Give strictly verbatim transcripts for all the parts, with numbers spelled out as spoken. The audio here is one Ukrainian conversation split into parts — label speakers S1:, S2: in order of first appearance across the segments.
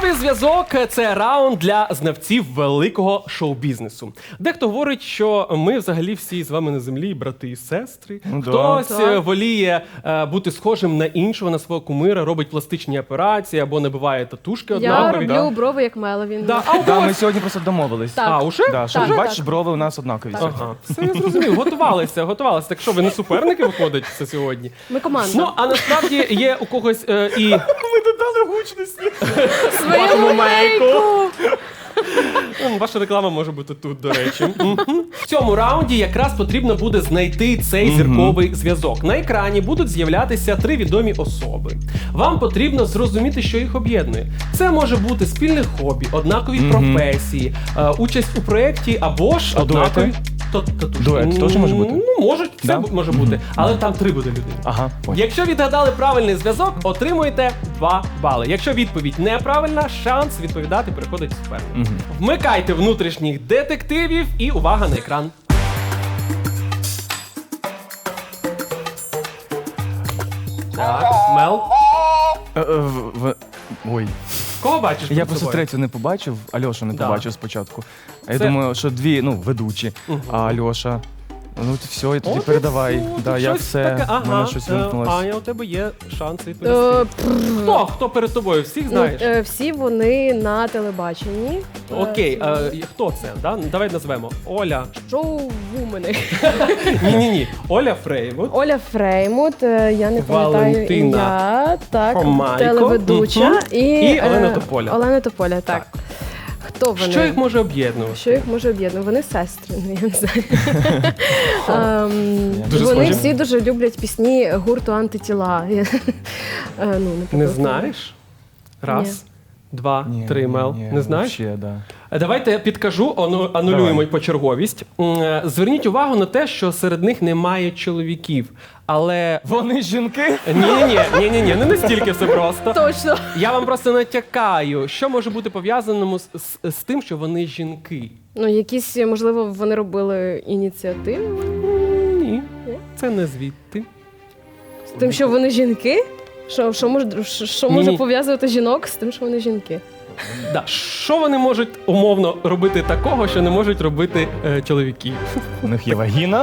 S1: Зірковий зв'язок – це раунд для знавців великого шоу-бізнесу. Дехто говорить, що ми взагалі всі з вами на землі брати і сестри.
S2: Ну, да.
S1: Хтось
S3: Так.
S1: воліє е, бути схожим на іншого, на свого кумира, робить пластичні операції або набиває татушки
S3: Я
S1: однакові.
S3: роблю брови як Меловін.
S1: Да. А у
S2: Да,
S1: когось-
S2: ми сьогодні просто домовились.
S3: Так.
S1: А, уже?
S2: Да, що,
S3: Так,
S2: бачиш,
S3: так.
S2: брови у нас однакові. сьогодні.
S1: Ага, все я зрозумів. Готувалися, готувалися. Так що, ви не суперники виходить це сьогодні?
S3: Ми команда.
S1: Ну, а насправді є у когось е, і...
S2: Ми додали гучності.
S3: Свою
S1: вашому мейку.
S3: мейку.
S1: М, Ваша реклама може бути тут, до речі. Мгм. В цьому раунді якраз потрібно буде знайти цей зірковий зв'язок. На екрані будуть з'являтися три відомі особи. Вам потрібно зрозуміти, що їх об'єднує. Це може бути спільне хобі, однакові професії, е, участь у проєкті або ж
S2: А
S1: однакові...
S2: дуети?
S1: То- татушки.
S2: Дует теж може бути?
S1: Ну, можуть, все
S2: Да?
S1: бу- може бути. Але там три буде людини.
S2: Ага, понял.
S1: Якщо відгадали правильний зв'язок, отримуєте два бали. Якщо відповідь неправильна, шанс відповідати переходить супернику. Вмикайте внутрішніх детективів і увага на екран. Так, Мел.
S2: Е, е, в- в- Ой.
S1: Кого бачиш?
S2: Я
S1: перед
S2: просто
S1: собою?
S2: третю не побачив, Альошу не
S1: Да.
S2: побачив спочатку. А я
S1: Це-
S2: думаю, що дві, ну, ведучі, а Альоша. Ну, от все, і тоді
S1: От і
S2: передавай.
S1: все,
S2: Да,
S1: тут
S2: я
S1: щось
S2: все,
S1: таке.
S2: в
S1: Ага,
S2: мене щось
S1: е,
S2: вимкнулось.
S1: Аня, у тебе є шанс
S3: Е,
S1: відповісти.
S3: пф,
S1: Хто? Хто перед тобою? Всіх
S3: ну,
S1: знаєш?
S3: е, всі вони на телебаченні.
S1: Окей,
S3: Е,
S1: е, хто це? Да? Давай назвемо. Оля.
S3: Шоу-вумени.
S1: Ні-ні-ні. Оля Фреймут.
S3: Оля Фреймут, е, я не пам'ятаю
S1: Валентина
S3: ім'я, так,
S1: Хомайко,
S3: телеведуча.
S1: мгм.
S3: І,
S1: І Олена
S3: е,
S1: Тополя.
S3: Олена Тополя, так. Хто вони?
S1: Що їх може об'єднувати?
S3: Що їх може об'єднувати? Вони сестри, ну, я не знаю. Ем,
S1: Дуже
S3: Вони
S1: схожі.
S3: всі дуже люблять пісні гурту «Антитіла». Я- е, ну,
S1: Не
S3: наприклад,
S1: знаєш? Раз, два,
S2: Ні,
S1: три,
S2: ні,
S1: Мел.
S2: ні,
S1: Не знаєш?
S2: Вообще, да.
S1: Е, Давайте я підкажу, ану- анулюємо
S2: Давай.
S1: почерговість. М, е, Зверніть увагу на те, що серед них немає чоловіків. Але
S2: Вони жінки?
S1: ні-ні-ні, ні-ні-ні, не настільки все просто.
S3: Точно.
S1: Я вам просто натякаю, що може бути пов'язаному з, з, з тим, що вони жінки.
S3: Ну, якісь, можливо, вони робили ініціативи
S1: М, Ні,
S3: Ні?
S1: це не звідти.
S3: з тим, що вони жінки? Що, що, може, що, що може
S1: Ні.
S3: пов'язувати жінок з тим, що вони жінки?
S1: Да. Що вони можуть умовно робити такого, що не можуть робити е, чоловіки?
S2: У них є вагіна.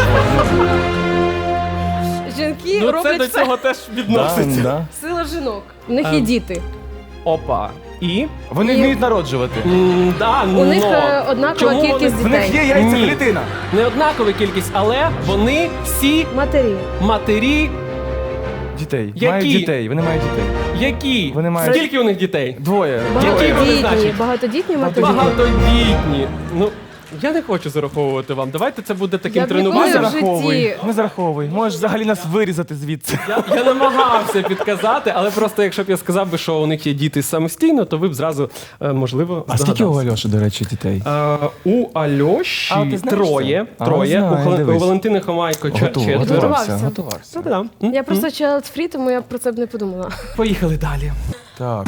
S3: Жінки
S1: Ну, це
S3: роблять
S1: до
S3: все.
S1: цього теж
S2: Да,
S1: відноситься.
S2: да.
S3: Сила жінок. У них є
S1: Ем.
S3: діти.
S1: Опа. І?
S2: Вони
S3: І-
S2: вміють народжувати.
S1: М, да,
S3: У них
S1: но.
S3: е, однакова
S1: Чому
S3: кількість
S1: вони-
S2: В них є
S3: дітей.
S2: яйцеклітина.
S1: Не однакова кількість, але вони всі
S3: Матері.
S1: матері,
S2: Дітей.
S1: Які?
S2: Мають дітей. Вони мають дітей.
S1: які?
S2: Вони мають-
S1: Скільки у них дітей?
S2: Двоє.
S1: Які вони
S3: Багатодітні.
S1: значать?
S3: Багатодітні матері.
S1: Багатодітні. Ну, я не хочу зараховувати вам. Давайте це буде таким
S3: Я б ніколи
S2: Не
S1: тренуванням.
S3: в житті.
S2: зараховуй. Не зараховуй. Можеш взагалі нас вирізати звідси.
S1: Я, я намагався підказати, але просто якщо б я сказав би, що у них є діти самостійно, то ви б зразу, е, можливо,
S2: А скільки у
S1: здогадалися.
S2: Альоші, до речі, дітей?
S1: Е, у Альоші
S2: А, ти знаєш
S1: троє.
S2: це? А,
S1: Троє.
S2: знаю,
S1: у, Хол- у
S2: дивись.
S1: Валентини Хомайко чо-
S2: Готов-
S1: четверо.
S3: Готувався.
S2: Готувався. Готувався.
S1: Та-да. М?
S3: Я просто child free, тому я про це б не подумала.
S1: Поїхали далі.
S2: Так.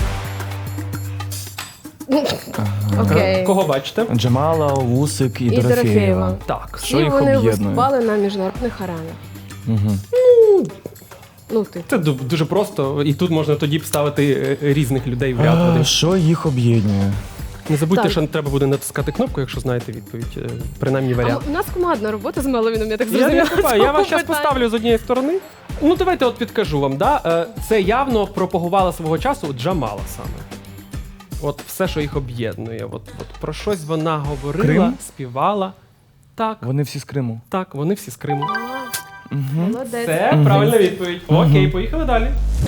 S3: Окей.
S1: Кого бачите?
S2: Джамала, Усик і,
S3: І
S2: Дорофєєва.
S3: Дорофєєва.
S1: Так.
S2: Що
S3: Всі
S2: їх
S3: вони
S2: об'єднує?
S3: виступали на міжнародних аренах.
S2: Угу.
S3: Ну, ти.
S1: Це ду- дуже просто, і тут можна тоді б ставити е, різних людей в ряд.
S2: А,
S1: один.
S2: що їх об'єднує?
S1: Не забудьте,
S3: Так.
S1: що треба буде натискати кнопку, якщо знаєте відповідь, е, принаймні
S3: А
S1: варіант.
S3: у нас командна робота з Меловіном, я так
S1: Я,
S3: зрозуміла.
S1: не купаю, я вас зараз
S3: Питання.
S1: поставлю з однієї сторони. Ну, давайте от підкажу вам. Да? Е, Це явно пропагувала свого часу Джамала саме. От все, що їх об'єднує. От, от про щось вона говорила,
S2: Крим?
S1: співала. Так,
S2: Вони всі з Криму.
S1: так, вони всі з Криму.
S3: Молодець.
S1: Це правильна відповідь. Окей, поїхали далі.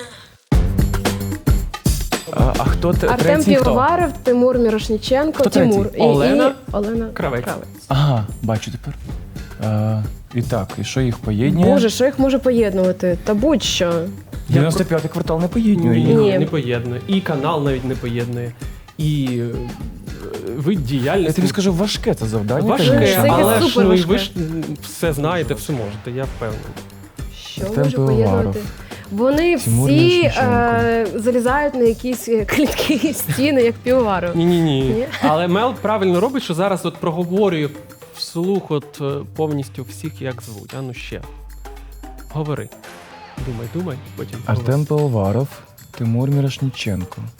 S2: А, а хто те-
S3: Артем
S2: третій хто?
S3: Півоваров, Тимур Мірошніченко,
S2: Хто третій?
S3: Тимур. І,
S1: Олена
S3: і Олена
S1: Кравець.
S2: Ага, бачу тепер. А, і так, і що їх поєднує?
S3: Боже, що їх може поєднувати? Та будь-що.
S2: дев'яносто п'ятий квартал не поєднує
S1: Ні,
S2: їх.
S3: Ні.
S1: не поєднує. І канал навіть не поєднує. І е, вид
S2: Я
S1: діяльності.
S2: тобі скажу, важке це завдання.
S1: Важке,
S2: конечно.
S3: Це
S1: але ж
S3: супер
S1: ну, і
S3: важке.
S1: ви ж м, все знаєте, все можете, я впевнений.
S3: Що
S2: Артем
S3: може
S2: Пивоваров.
S3: поєднувати? Вони
S2: Тимур
S3: всі
S2: Мірошниченко.
S3: е, залізають на якісь е, клітки і стіни, як Півоваров.
S1: Ні, ні, ні.
S3: Ні?
S1: Але Мел правильно робить, що зараз от проговорює вслух от е, повністю всіх, як звуть. А ну ще. Говори. Думай, думай, потім.
S2: Артем Пивоваров, Тимур Мірошніченко.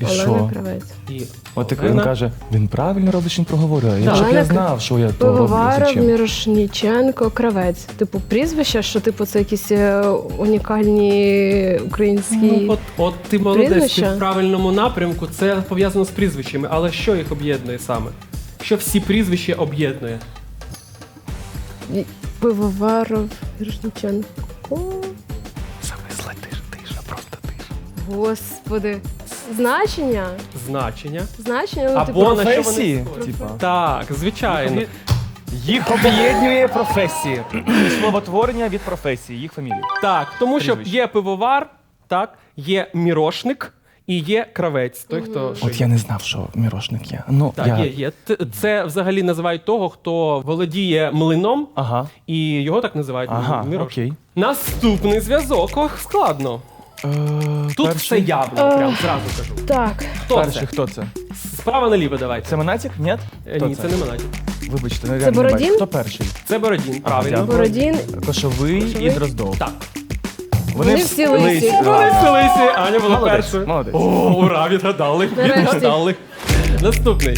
S2: І
S3: Олена
S2: що?
S3: Кравець.
S1: І
S2: От так
S1: Олена.
S2: він каже, він правильно робить, що він проговорює. Я
S1: Так.
S2: щоб я
S3: Олена
S2: знав, що я то роблю.
S3: Пивоваров,
S2: Зачем?
S3: Мірошніченко, Кравець. Типу прізвища, що типу це якісь е, унікальні українські.
S1: Ну, от, от ти молодець, ти
S3: Прізвища?
S1: в правильному напрямку, це пов'язано з прізвищами, але що їх об'єднує саме? Що всі прізвища об'єднує?
S3: І- Пивоваров, Мірошніченко.
S1: Зависла тиша, тиша, просто тиша.
S3: Господи. Значення?
S1: Значення.
S3: Значення, ну,
S1: Або
S3: типу,
S1: на що вони
S2: Професії,
S1: схожі.
S2: типа.
S1: Так, звичайно.
S2: Їх об'єднує професії. Словотворення від професії, їх фамілії.
S1: Так, тому що
S2: Прізвище.
S1: є пивовар, так, є мірошник і є кравець. Той, хто шиє.
S2: От я не знав, що мірошник є. Ну,
S1: Так,
S2: я...
S1: є, є. Т- Це взагалі називають того, хто володіє млином,
S2: Ага.
S1: і його так називають
S2: Ага,
S1: мірошник.
S2: окей.
S1: Наступний зв'язок. Ох, складно.
S2: Е,
S1: Тут
S2: перший-
S1: все явно, прям зразу кажу.
S3: Так.
S1: Хто
S2: Перший,
S1: це?
S2: хто це?
S1: Справа наліво давайте.
S2: Це Монатік? Ні?
S1: Е,
S2: Хто
S1: Ні, це не Монатік.
S2: Вибачте, не
S3: Це
S2: реально не
S3: Бородін?
S2: бачу. Хто перший?
S1: Це Бородін, правильно.
S2: дякую.
S3: Бородін.
S2: Кошовий,
S3: Кошовий?
S2: і Дроздов.
S1: Так.
S3: Вони всі лисі.
S2: Да.
S1: Вони селися, Аня була
S2: Молодець,
S1: першою.
S2: молодець.
S1: О, ура, відгадали,
S3: Нарешті.
S1: відгадали. Наступний.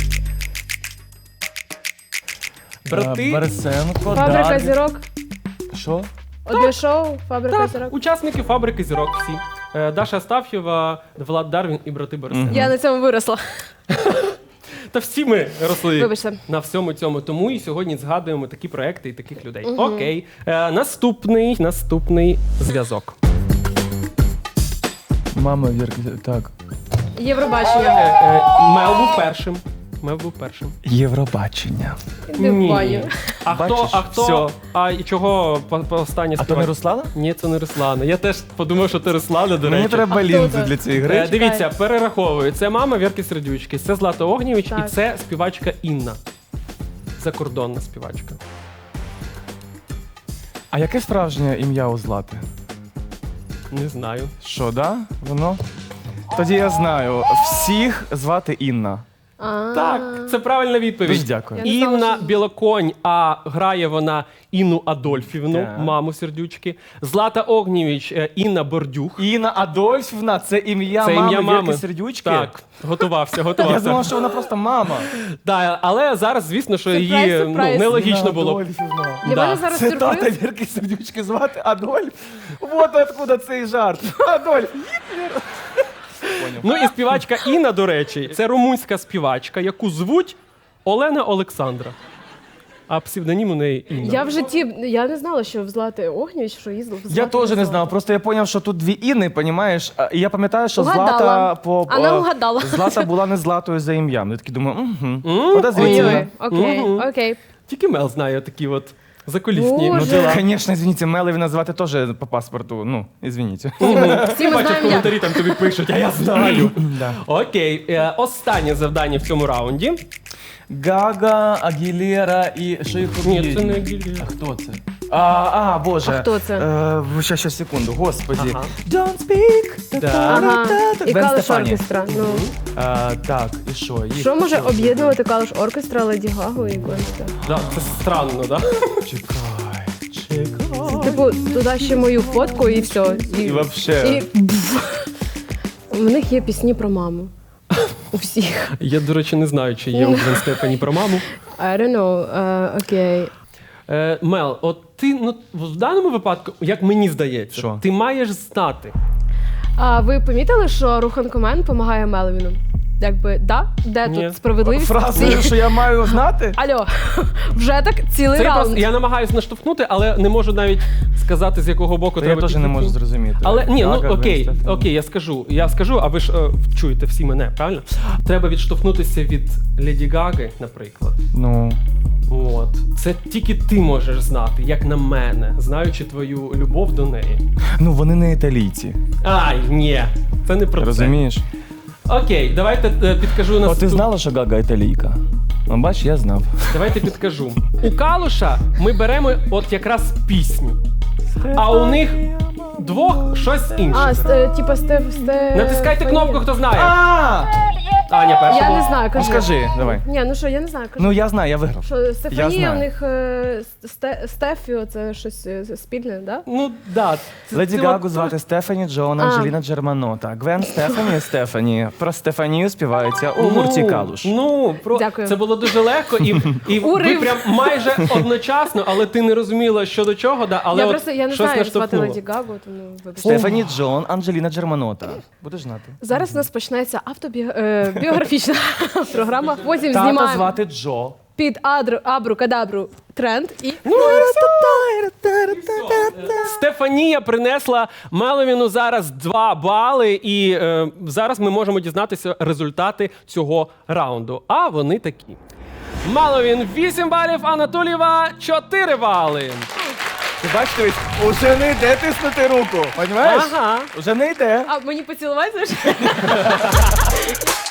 S1: Брати.
S2: Е, Берсенко,
S3: Фабрика
S2: Дарвін.
S3: зірок.
S2: Що?
S3: Одне шоу, фабрика
S1: Так,
S3: зірок.
S1: учасники фабрики зірок всі. Е, Даша Астаф'єва, Влад Дарвін і брати Борисенко.
S3: Я на цьому виросла.
S1: Та всі ми росли
S3: Вибачте.
S1: на всьому цьому. Тому і сьогодні згадуємо такі проекти і таких людей. Окей. Е, наступний, наступний зв'язок.
S2: Мама Вірки. Так.
S1: Е,
S3: Євробачення.
S1: е, Мел був першим. Мел був першим.
S2: Євробачення.
S3: Іди в баню.
S1: А
S2: Бачиш,
S1: хто, а хто,
S2: всьо.
S1: а і чого по, по останнє
S2: А то не
S1: співає?
S2: Руслана?
S1: Ні, це не Руслана. Я теж подумав, що це Руслана, до
S2: Мені
S1: речі.
S2: треба
S3: А хто
S2: лінзи
S3: це?
S2: для цієї
S1: Е,
S2: гри.
S1: Дивіться, перераховую. Це мама Вірки Сердючки, це Злата Огнєвіч і
S3: Так.
S1: це співачка Інна. Закордонна співачка.
S2: А яке справжнє ім'я у Злати?
S1: Не знаю.
S2: Що, да? Воно? Тоді я знаю. Всіх звати Інна.
S3: А.
S1: Так, це правильна відповідь.
S2: Дуже дякую.
S3: Я не знала,
S1: Інна
S3: що-
S1: Білоконь, а грає вона Інну Адольфівну,
S2: Так.
S1: маму Сердючки. Злата Огнєвіч, е, Інна Бордюх.
S2: Інна Адольфівна це ім'я
S1: Це
S2: мами
S1: ім'я мами.
S2: Вірки Сердючки?
S1: Так, готувався,
S2: Я
S1: готувався.
S2: думав, що вона просто мама.
S1: Да, але зараз, звісно, що
S3: Сюрприз,
S1: її ну,
S3: сюрприз.
S1: нелогічно
S2: Інна
S1: було.
S2: Адольфівна.
S3: Для
S1: Да.
S3: мене зараз
S2: Це тата
S3: сюрприз.
S2: Вірки Сердючки звати Адольф. Вот откуда цей жарт. Адольф.
S1: Ну і співачка Інна, до речі, це румунська співачка, яку звуть Олена Олександра. А псевдонім у неї Інна.
S3: Я в житті, я не знала, що в Злати Огнєвіч, що їздив.
S2: Я теж не знав, просто я зрозумів, що тут дві Інни, розумієш? І я пам'ятаю, що
S3: Угадала.
S2: Злата по
S3: Вона
S2: е,
S3: угадала.
S2: Злата була не Златою за ім'ям. Я такий думаю, угу.
S1: М?
S2: Подозрительно.
S3: Ой-ой, окей,
S1: Мгм.
S3: окей.
S1: Тільки Мел знає такі от закулісні.
S3: Боже.
S2: Ну,
S1: діла.
S2: звісно, извините, Мелеві назвати теж по паспорту. Ну, извините.
S3: Всі ми
S1: Бачу, в
S3: знаємо як.
S1: коментарі там тобі пишуть, а я знаю.
S2: Да.
S1: Окей, е, останнє завдання в цьому раунді.
S2: Гага, Агілера і що їх
S1: Ні,
S2: об'єднує?
S1: це не Агілера.
S2: А хто це? А, а, боже.
S3: А хто це?
S2: Е, щас, щас, секунду, господі.
S1: Ага.
S2: Don't speak.
S1: Да.
S3: Ага. І
S2: Гвен
S3: Калиш
S2: Стефані.
S3: оркестра. Ну.
S2: А, так, і що? Їх
S3: Що може
S2: хто?
S3: об'єднувати Калиш оркестра, Леді Гагу і Гвенста?
S1: Да, це странно, да?
S2: Чекай, чекай.
S3: Типу, туди ще мою фотку і все.
S2: І вообще.
S3: І... У них є пісні про маму. У всіх.
S1: Я, до речі, не знаю, чи є у Гвен Стефані про маму.
S3: I don't know. Е, Окей.
S1: Е, Мел, от ти ну, в даному випадку, як мені здається,
S2: Що?
S1: ти маєш знати.
S3: А ви помітили, що Руханкомен допомагає Мелвіну? Якби, да? Де
S1: Ні.
S3: тут справедливість?
S2: Фразою, що я маю знати?
S3: Алло, вже так цілий
S1: Це я,
S3: раунд.
S1: просто, я намагаюся наштовхнути, але не можу навіть сказати, з якого боку
S2: Та я
S1: треба
S2: теж не
S1: підійти.
S2: можу зрозуміти.
S1: Але ні,
S2: Гага,
S1: ну
S2: Гвен
S1: окей,
S2: Стефані.
S1: окей, я скажу. Я скажу, а ви ж е, чуєте всі мене, правильно? Треба відштовхнутися від Леді Гаги, наприклад.
S2: Ну,
S1: От. Це тільки ти можеш знати, як на мене, знаючи твою любов до неї.
S2: ну вони не італійці.
S1: Ай, ні, це не про
S2: Розумієш?
S1: це. Окей, давайте е, підкажу
S2: О,
S1: наступ...
S2: ти знала, що Гага італійка? Ну, бач, я знав.
S1: Давайте підкажу. У Калуша ми беремо от якраз пісні, а у них двох щось інше.
S3: А, ст, типа Стеф... Стеф...
S1: Натискайте кнопку, хто знає.
S2: А!
S1: Аня перша.
S3: Я
S1: була.
S3: не знаю,
S2: Ну
S3: кажи.
S2: скажи, давай.
S3: Ні, ну що, я не знаю, кажи.
S2: Ну я знаю, я виграв.
S3: Що
S2: Я
S3: Стефанія,
S2: знаю.
S3: у них е, Сте- Стефіо, це щось е, спільне, да?
S1: Ну, да. це-
S2: Леді
S1: це
S2: Гагу
S1: от-
S2: звати Стефані Джон,
S3: А.
S2: Анджеліна Джерманота. Гвен Стефані Стефані. Про Стефанію співається у гурті Калуш.
S1: Ну, про...
S3: Дякую.
S1: це було дуже легко, і, і ви
S3: Урив.
S1: прям майже одночасно, але ти не розуміла, що до чого, да, але
S3: я
S1: от
S3: просто я не
S1: щось
S3: знаю, як звати
S1: наштовхнуло.
S3: Леді Гагу, тому вибачте.
S2: Стефані Джон, Анджеліна Джерманота. Будеш знати.
S3: Зараз у нас почнеться автобіографічна програма. Потім
S2: Тата
S3: знімаємо
S2: звати Джо.
S3: під адру, абру, кадабру тренд і
S1: Стефанія принесла Меловіну зараз два бали, і е, зараз ми можемо дізнатися результати цього раунду. А вони такі. Меловін вісім балів, Анатолієва чотири бали.
S2: Ти бачиш, дивись, уже не йде тиснути руку. Понімаєш?
S1: Ага.
S2: Уже не йде.
S3: а мені поцілувати. Знаєш?